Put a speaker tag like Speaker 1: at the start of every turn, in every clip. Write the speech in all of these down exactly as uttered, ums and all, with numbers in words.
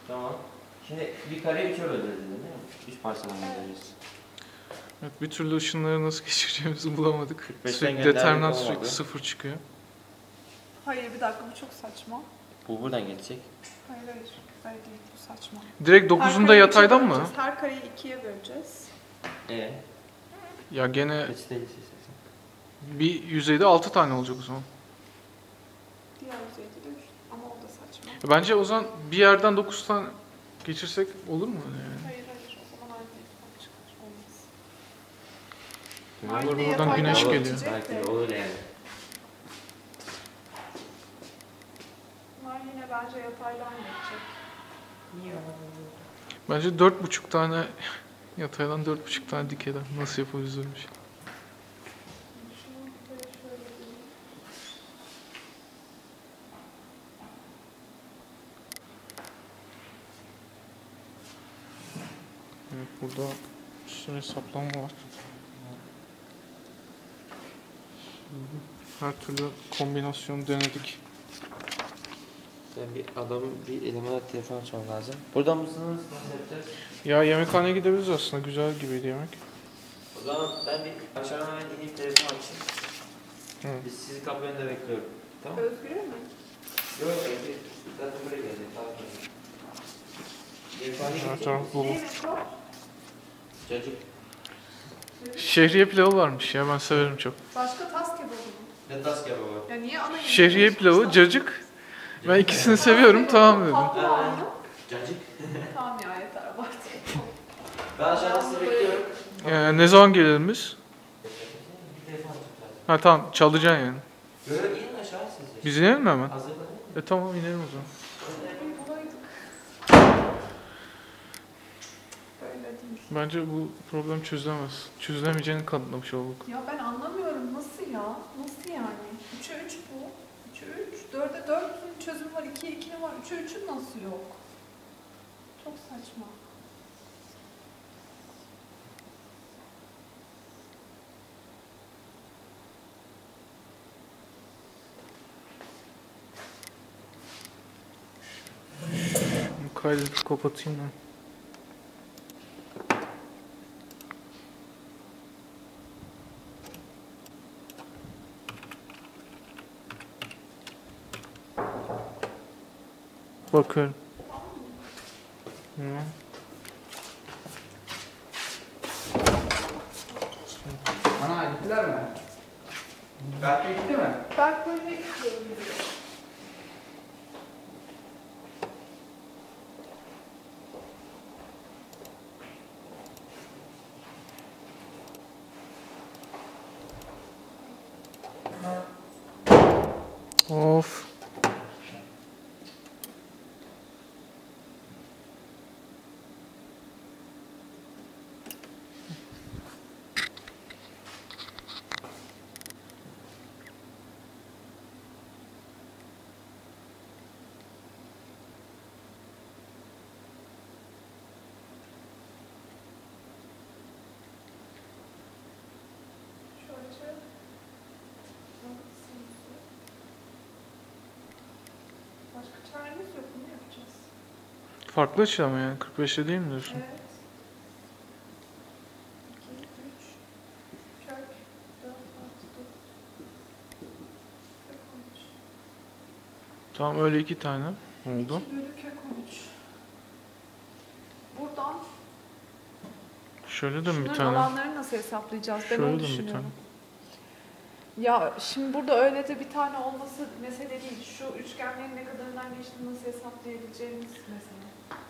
Speaker 1: Tamam. Şimdi bir kare üçe böleceğiz değil mi? Üç parçadan böleceğiz.
Speaker 2: Evet, bir türlü ışınları nasıl geçireceğimizi bulamadık. Sürekli
Speaker 1: gönderdik,
Speaker 2: determinant
Speaker 1: olmadı.
Speaker 2: sürekli sıfır çıkıyor.
Speaker 3: Hayır bir dakika bu çok saçma.
Speaker 1: Bu buradan geçecek.
Speaker 3: Hayır hayır. Hayır değil bu saçma.
Speaker 2: Direkt
Speaker 3: Her
Speaker 2: dokuzunda
Speaker 3: kareyi
Speaker 2: yataydan
Speaker 3: ikiye
Speaker 2: mı?
Speaker 3: böleceğiz. Her kareyi ikiye böleceğiz.
Speaker 1: Ee,
Speaker 2: Ya gene
Speaker 1: kaçta geçeceksin?
Speaker 2: bir yüzeyde altı tane olacak o zaman.
Speaker 3: Diğer yüzeyde de üç. Ama o da saçma.
Speaker 2: Bence o zaman bir yerden dokuz tane geçirsek olur mu öyle yani?
Speaker 3: Hayır hayır o zaman aynı denklemden çıkar. Olmaz.
Speaker 2: Olur,
Speaker 3: Aynı
Speaker 2: buradan
Speaker 3: yataydan
Speaker 2: güneş
Speaker 1: Olur,
Speaker 2: geliyor.
Speaker 3: geçecek
Speaker 1: Belki
Speaker 3: de.
Speaker 1: de olur yani.
Speaker 3: Bunlar yine bence yataydan geçecek.
Speaker 1: Niye?
Speaker 2: Bence dört buçuk tane yataydan dört buçuk tane dikeyden nasıl yapabiliriz öyle bir şey?
Speaker 3: Şunu böyle şöyle diyeyim.
Speaker 2: Evet, burada üstüne hesaplama var. Her türlü kombinasyon denedik.
Speaker 1: Ben bir adamın bir elemana telefon açmam lazım. Burada mısınız? Nasıl yapacağız?
Speaker 2: Ya yemekhaneye gidebiliriz aslında. Güzel gibiydi yemek.
Speaker 1: O zaman ben bir aşağıdan hemen ineyim telefon açayım.
Speaker 2: Hı.
Speaker 1: Biz sizi kapı önünde bekliyorum. Tamam.
Speaker 3: Özgür'e mi?
Speaker 1: Yok, Özgür. Zaten buraya gelecek. Tamam. Yemekhaneye
Speaker 2: Her
Speaker 1: gidecek
Speaker 2: taraf
Speaker 1: misin?
Speaker 2: dolu.
Speaker 3: Ne yemek var?
Speaker 1: Cacık.
Speaker 2: Şehriye pilavı varmış ya, ben severim çok.
Speaker 3: Başka tas kebabı mı?
Speaker 1: Ne tas kebabı var?
Speaker 3: Ya niye ana yemek?
Speaker 2: Şehriye pilavı, cacık. Ben ikisini seviyorum, tamam dedim.
Speaker 3: Tatlı var mı?
Speaker 1: Cacık.
Speaker 3: Tamam ya yeter abartı.
Speaker 1: Ben aşağıda sizi bekliyorum.
Speaker 2: Ee, ne zaman gelelim biz?
Speaker 1: Bir telefon açıp
Speaker 2: Ha tamam, çalacaksın yani.
Speaker 1: Böyle inin aşağı siz.
Speaker 2: Biz inelim mi hemen?
Speaker 1: Hazırlanın.
Speaker 2: E tamam, inelim o zaman.
Speaker 3: Bulaydık. Böyle değil.
Speaker 2: Bence bu problem çözülemez. Çözülemeyeceğini kanıtlamış olduk.
Speaker 3: Ya ben anlamıyorum nasıl ya? Nasıl yani? üçe üç bu. üçe üç. dörde dört'ün çözümü var. ikiye ikinin var. üçe üçün nasıl yok? Çok saçma.
Speaker 2: Kaydedip kapatayım ben. Bakıyorum. Hı.
Speaker 4: Ana gittiler mi? Berk'e gitti mi?
Speaker 3: Ben böyle istiyorum.
Speaker 2: Of.
Speaker 3: Şu açı. Başka çaremiz yok. Ne yapacağız?
Speaker 2: Farklı açı ama yani kırk beşte değil mi diyorsun?
Speaker 3: Evet. iki, üç, kök, dört, altı, dokuz, kök on üç.
Speaker 2: Tamam, öyle iki tane oldu.
Speaker 3: iki bölü kök on üç. Buradan
Speaker 2: Şöyle de mi bir
Speaker 3: şunların
Speaker 2: tane?
Speaker 3: alanlarını nasıl hesaplayacağız? Ben
Speaker 2: Şöyle
Speaker 3: onu
Speaker 2: de mi bir tane?
Speaker 3: düşünüyorum. Ya şimdi burada öyle de bir tane olması mesele değil. Şu üçgenlerin ne kadarından geçtiğini nasıl hesaplayabileceğimiz mesele.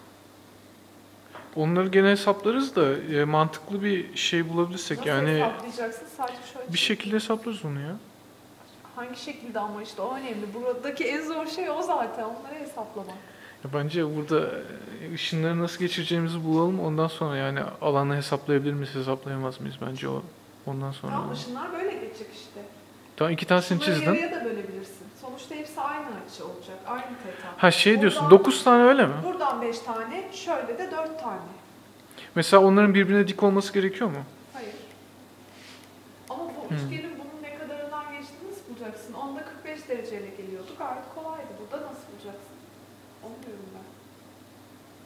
Speaker 2: Onları gene hesaplarız da e, mantıklı bir şey bulabilirsek
Speaker 3: Nasıl
Speaker 2: yani
Speaker 3: hesaplayacaksın? Sadece şöyle
Speaker 2: bir şekilde hesaplarız onu ya.
Speaker 3: hangi şekilde ama işte o önemli. Buradaki en zor şey o zaten. Onları hesaplamak.
Speaker 2: Ya bence burada e, ışınları nasıl geçireceğimizi bulalım, ondan sonra yani alanı hesaplayabilir miyiz, hesaplayamaz mıyız bence o ondan sonra.
Speaker 3: Tamam ışınlar böyle geçecek işte.
Speaker 2: Tamam, iki tanesini
Speaker 3: Şunları
Speaker 2: çizdin.
Speaker 3: yarıya da bölebilirsin. Sonuçta hepsi aynı açı olacak. Aynı teta.
Speaker 2: Ha şey diyorsun,
Speaker 3: Buradan-
Speaker 2: dokuz tane öyle mi?
Speaker 3: Buradan beş tane, şöyle de dört tane.
Speaker 2: Mesela onların birbirine dik olması gerekiyor mu?
Speaker 3: Hayır. Ama bu
Speaker 2: Hmm.
Speaker 3: üçgenin bunun ne kadarından geçtiğini nasıl bulacaksın? Onda kırk beş dereceyle geliyordu. Gayet kolaydı. Burada nasıl bulacaksın? Onu diyorum ben.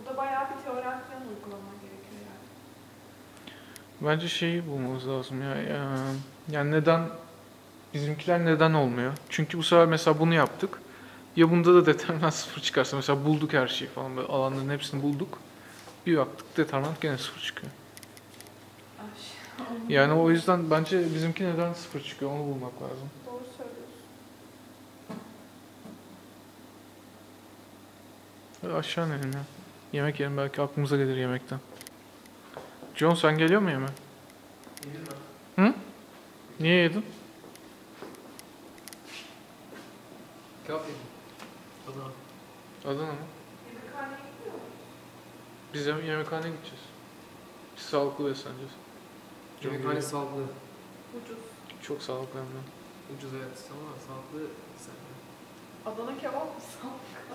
Speaker 3: Burada bayağı bir teorem falan uygulaman gerekiyor yani.
Speaker 2: Bence şeyi bulmamız lazım ya. ya- Yani neden bizimkiler neden olmuyor? Çünkü bu sefer mesela bunu yaptık. Ya bunda da determinant sıfır çıkarsa mesela bulduk her şeyi falan böyle alanların hepsini bulduk. Bir baktık determinant gene sıfır çıkıyor.
Speaker 3: Ay,
Speaker 2: Yani o yüzden bence bizimki neden sıfır çıkıyor onu bulmak lazım.
Speaker 3: Doğru söylüyorsun.
Speaker 2: Hadi aşağı inelim ya. Yemek yiyelim belki aklımıza gelir yemekten. John sen geliyor mu yemeğe? Hı? Niye yedin?
Speaker 1: Kebap yedim. Adana.
Speaker 2: Adana mı?
Speaker 3: Yemekhaneye gidiyor mu?
Speaker 2: Biz yem- yemekhaneye gideceğiz. Biz sağlıklı besleneceğiz. John
Speaker 1: Yemekhane
Speaker 2: geliyor.
Speaker 1: sağlıklı.
Speaker 3: Ucuz.
Speaker 2: Çok sağlıklı hem de.
Speaker 1: Ucuz evet ama sağlıklı sen.
Speaker 3: Adana kebap mı sağlık?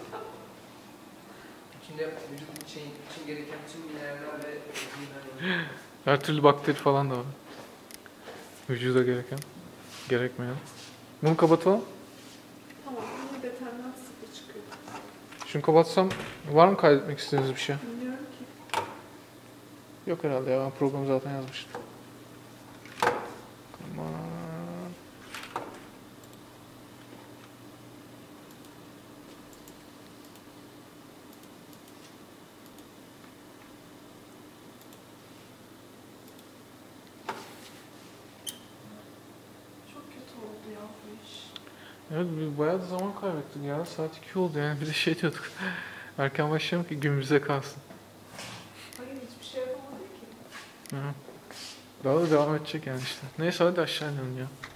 Speaker 1: İçinde vücut için, için gereken tüm mineraller ve vitaminler var.
Speaker 2: Her türlü bakteri falan da var. Vücuda gereken, gerekmeyen. Bunu kapatalım.
Speaker 3: Tamam, yine determinant sıfır çıkıyor.
Speaker 2: Şunu kapatsam var mı kaydetmek istediğiniz bir şey?
Speaker 3: Bilmiyorum ki.
Speaker 2: Yok herhalde ya ben programı zaten yazmıştım. Aman.
Speaker 3: Çok kötü oldu ya bu iş.
Speaker 2: Evet biz bayağı da zaman kaybettik ya. Saat iki oldu yani bir de şey diyorduk. Erken başlayalım ki gün bize kalsın.
Speaker 3: Hayır hiçbir şey yapamadık ki.
Speaker 2: Hı. Daha da devam edecek yani işte. Neyse hadi aşağı inelim ya.